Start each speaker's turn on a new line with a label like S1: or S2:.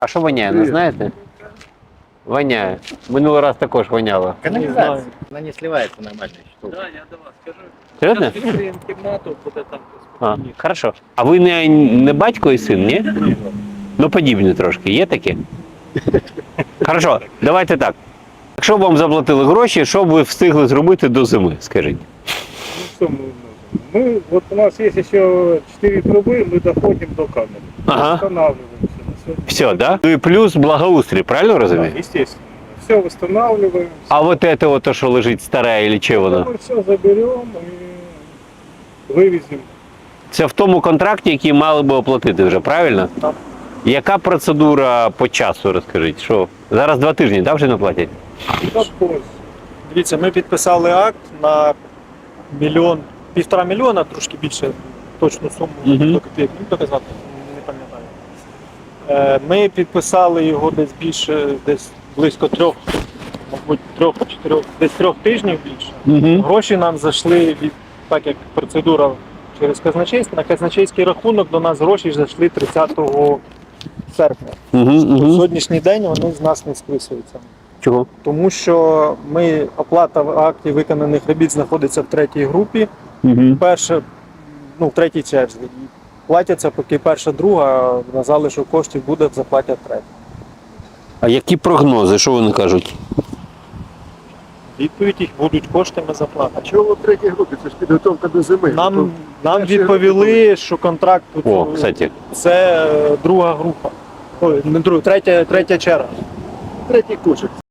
S1: А що воняє, не знаєте? Воняє. Минулий раз також воняло.
S2: Канализация. Она не сливается нормально.
S3: Да, я до вас скажу.
S1: Серйозно?
S3: Зараз відкриємо кімнату, буде там
S1: А,
S3: спокійніше.
S1: хорошо. А ви не батько і син, ні? Ну, подібні трошки. Є такі? Хорошо, давайте так. Якщо б вам заплатили гроші, що б ви встигли зробити до зими, скажіть?
S4: Ну что мы можем? Мы, вот у нас есть еще 4 трубы, мы доходим до камеры.
S1: Ага.
S4: Восстанавливаемся на сегодня.
S1: Все, да? Ну і плюс благоустрій, правильно
S4: Да,
S1: розумію?
S4: естественно. Все восстанавливаем.
S1: А вот это вот то, що лежить старе, или чи воно?
S4: Мы все заберем и вывезем.
S1: Це в тому контракті, який мали би оплатити вже, правильно?
S4: Так.
S1: Яка процедура по часу, розкажіть? Що? Зараз 2 тижні, так, вже не платять?
S4: Как позже.
S5: Дивіться, ми підписали акт на 1,5 мільйона, трошки більше точну суму
S1: Мгм.
S5: до копійок не доказати, не пам'ятаю. Ми підписали його десь більше, десь близько 3, мабуть, 3-4, десь 3 тижнів більше.
S1: Угу.
S5: Гроші нам зайшли від, так як процедура через казначейство, на казначейський рахунок до нас гроші зайшли 30 серпня.
S1: Угу,
S5: На
S1: угу.
S5: сьогоднішній день вони з нас не списуються.
S1: Чого?
S5: Тому що оплата в акті виконаних робіт знаходиться в 3-й групі,
S1: Угу.
S5: перша, ну, в 3-й черзі. І платяться, поки перша, друга, на залишок коштів буде, заплатять 3-ю.
S1: А які прогнози, що вони кажуть?
S5: Відповідь їх будуть кошти, ми заплатимо.
S6: А чого в третій групі? Це ж підготовка до зими.
S5: Нам відповіли, що контракт
S1: О, кстати.
S5: це друга група. Ой, не друга, третя черга.
S6: Третій кошик.